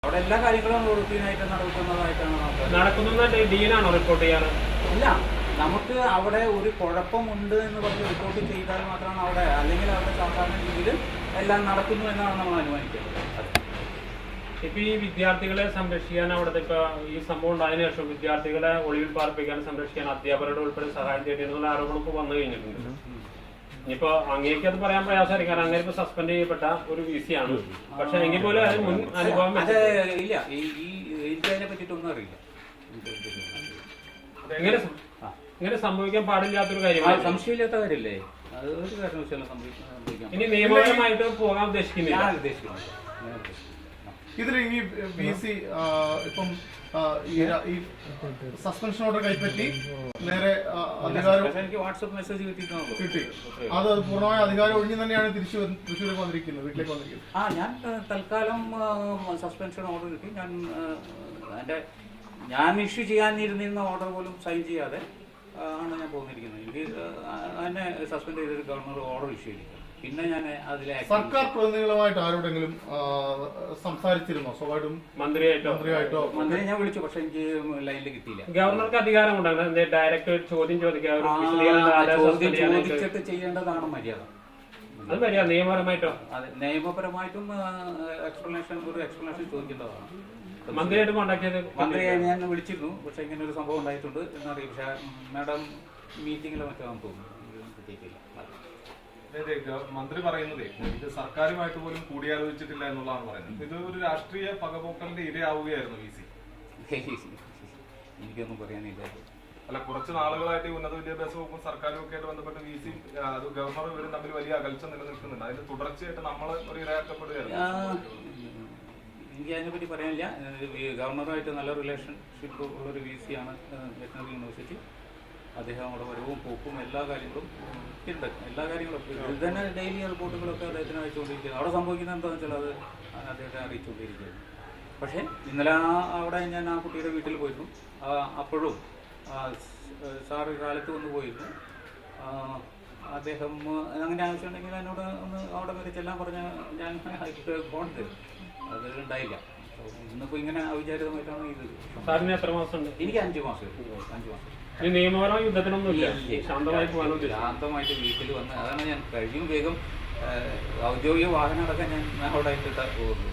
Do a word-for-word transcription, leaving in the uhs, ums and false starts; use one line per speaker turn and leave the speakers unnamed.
അവിടെ എല്ലാ കാര്യങ്ങളും റൂട്ടീനായിട്ട് നടക്കുന്നതായിട്ടാണ്
നടക്കുന്ന ഡീനാണോ റിപ്പോർട്ട് ചെയ്യാറ്?
ഇല്ല, നമുക്ക് അവിടെ ഒരു കുഴപ്പമുണ്ട് എന്ന് പറഞ്ഞ് റിപ്പോർട്ട് ചെയ്താൽ മാത്രമാണ് അവിടെ, അല്ലെങ്കിൽ അവിടെ സാധാരണ രീതിയിൽ എല്ലാം നടക്കുന്നു എന്നാണ് നമ്മൾ അനുമാനിക്കുന്നത്.
ഇപ്പൊ ഈ വിദ്യാർത്ഥികളെ സംരക്ഷിക്കാൻ അവിടുത്തെ ഇപ്പൊ ഈ സംഭവം ഉണ്ടായതിനു ശേഷം വിദ്യാർത്ഥികളെ ഒളിവിൽ പാർപ്പിക്കാൻ സംരക്ഷിക്കാൻ അധ്യാപകരുടെ ഉൾപ്പെടെ സഹായം തേടിയെന്നുള്ള ആരോപണം ഇപ്പൊ വന്നു കഴിഞ്ഞിട്ടുണ്ട്. ഇനിയിപ്പോ അങ്ങേക്ക് അത് പറയാൻ പ്രയാസമായിരിക്കും, കാരണം അങ്ങനെ ഇപ്പൊ സസ്പെൻഡ് ചെയ്യപ്പെട്ട ഒരു വി സി ആണ്. പക്ഷെ എങ്കിൽ പോലും അത് മുൻ അനുഭവം
ഇല്ല, ഈ എനിക്ക് അതിനെ പറ്റിയിട്ടൊന്നും അറിയില്ല.
എങ്ങനെ ഇങ്ങനെ സംഭവിക്കാൻ പാടില്ലാത്തൊരു കാര്യമാണ്.
സംശയമില്ലാത്ത കാര്യമല്ലേ, അത് ഒരു കാരണവശാലും സംഭവിക്കാൻ.
ഇനി നിയമപരമായിട്ട് പോകാൻ ഉദ്ദേശിക്കുന്നില്ല.
ഉദ്ദേശിക്കുന്നു
ഇതിൽ ഇനി ബി സി ഇപ്പം ഈ സസ്പെൻഷൻ ഓർഡർ കൈപ്പറ്റി നേരെ അധികാരം
എനിക്ക് വാട്സ്ആപ്പ് മെസ്സേജ് കിട്ടിയിട്ടുണ്ടോ
കിട്ടി. അത് പൂർണ്ണമായ അധികാരം ഒഴിഞ്ഞു തന്നെയാണ് തിരിച്ചു തൃശ്ശൂർക്ക് വന്നിരിക്കുന്നത്, വീട്ടിലേക്ക് വന്നിരിക്കുന്നത്.
ആ ഞാൻ തൽക്കാലം സസ്പെൻഷൻ ഓർഡർ കിട്ടി. ഞാൻ എൻ്റെ ഞാൻ ഇഷ്യൂ ചെയ്യാനിരുന്നിരുന്ന ഓർഡർ പോലും സൈൻ ചെയ്യാതെ ആണ് ഞാൻ പോന്നിരിക്കുന്നത്. എനിക്ക് എന്നെ സസ്പെൻഡ് ചെയ്തൊരു ഗവർണർ ഓർഡർ ഇഷ്യൂ ചെയ്തിരിക്കുന്നത്. പിന്നെ ഞാൻ അതിലെ
സർക്കാർ പ്രതിനിധികളുമായിട്ട് ആരോടെങ്കിലും സംസാരിച്ചിരുന്നോ? സ്വാഭാവികം മന്ത്രിയായിട്ടോ മന്ത്രിയായിട്ടോ
മന്ത്രിയെ ഞാൻ വിളിച്ചു, പക്ഷെ എനിക്ക് ലൈനിൽ കിട്ടിയില്ല.
ഗവർണർക്ക് അധികാരമുണ്ടാകും ഡയറക്റ്റ് ചോദ്യം ചോദിക്കാൻ,
ചോദിച്ചിട്ട് ചെയ്യേണ്ടതാണ് മര്യാദ.
അത് മര്യാദ നിയമപരമായിട്ടോ?
അതെ, നിയമപരമായിട്ടും എക്സ്പ്ലനേഷൻ ഒരു എക്സ്പ്ലനേഷൻ ചോദിക്കേണ്ടതാണ്.
മന്ത്രിയായിട്ട് കോണ്ടാക്ട് ചെയ്ത്
മന്ത്രിയെ ഞാൻ വിളിച്ചിരുന്നു, പക്ഷെ ഇങ്ങനെ ഒരു സംഭവം ഉണ്ടായിട്ടുണ്ട് എന്നറിയാം. പക്ഷെ മാഡം മീറ്റിംഗിലോ മറ്റാണെന്ന് തോന്നുന്നു, കിട്ടിയിട്ടില്ല.
മന്ത്രി പറയുന്നത് ഇത് സർക്കാരുമായിട്ട് പോലും കൂടിയാലോചിച്ചിട്ടില്ല എന്നുള്ളതാണ് പറയുന്നത്. ഇത് ഒരു രാഷ്ട്രീയ പകപോക്കലിന്റെ ഇരയാവുകയായിരുന്നു വി സി.
എനിക്കൊന്നും പറയാനില്ല.
അല്ല, കുറച്ച് നാളുകളായിട്ട് ഈ ഉന്നത വിദ്യാഭ്യാസ വകുപ്പും സർക്കാരും ഒക്കെ ആയിട്ട് ബന്ധപ്പെട്ട് വി സി അത് ഗവർണർ ഇവരും തമ്മിൽ വലിയ അകൽച്ച നിലനിൽക്കുന്നുണ്ട്. അതിന്റെ തുടർച്ചയായിട്ട് നമ്മൾ ഒരു ഇരയാക്കപ്പെടുകയായിരുന്നു.
എനിക്ക് അതിനെപ്പറ്റി പറയാനില്ല. ഗവർണറുമായിട്ട് നല്ല റിലേഷൻഷിപ്പ് ഉള്ളൊരു വി സി ആണ് വെറ്ററിനറി യൂണിവേഴ്സിറ്റി. അദ്ദേഹം അവിടെ വരവും പോക്കും എല്ലാ കാര്യങ്ങളും ഉണ്ട്. എല്ലാ കാര്യങ്ങളും ഇത് തന്നെ ഡെയിലി റിപ്പോർട്ടുകളൊക്കെ അദ്ദേഹത്തിന് അയച്ചുകൊണ്ടിരിക്കുന്നത്. അവിടെ സംഭവിക്കുന്നത് എന്താണെന്ന് വെച്ചാൽ അത് അദ്ദേഹത്തെ അറിയിച്ചുകൊണ്ടിരിക്കുകയാണ്. പക്ഷേ ഇന്നലെ അവിടെ ഞാൻ ആ കുട്ടിയുടെ വീട്ടിൽ പോയിരുന്നു. അപ്പോഴും സാറ് കാലത്ത് വന്ന് പോയിരുന്നു. അദ്ദേഹം അങ്ങനെ ആവശ്യമുണ്ടെങ്കിൽ എന്നോട് ഒന്ന് അവിടെ വരെ ചെല്ലാൻ പറഞ്ഞ് ഞാൻ ഫോൺ ചെയ്തു. അത് ഉണ്ടായില്ല. ഇന്നിപ്പോൾ ഇങ്ങനെ അവിചാരിതമായിട്ടാണ് ഇത്.
സാറിന് എത്ര മാസം?
എനിക്ക് അഞ്ച് മാസം അഞ്ച് മാസം
നിയമപരമായ യുദ്ധത്തിനൊന്നും ഇല്ല, ശാന്തമായിട്ട്
ശാന്തമായിട്ട് വീട്ടിൽ വന്ന് അതാണ് ഞാൻ കഴിയും വേഗം ഔദ്യോഗിക വാഹനം അടക്കം ഞാൻ അവിടെ ഇട്ടിട്ട് പോകുന്നത്.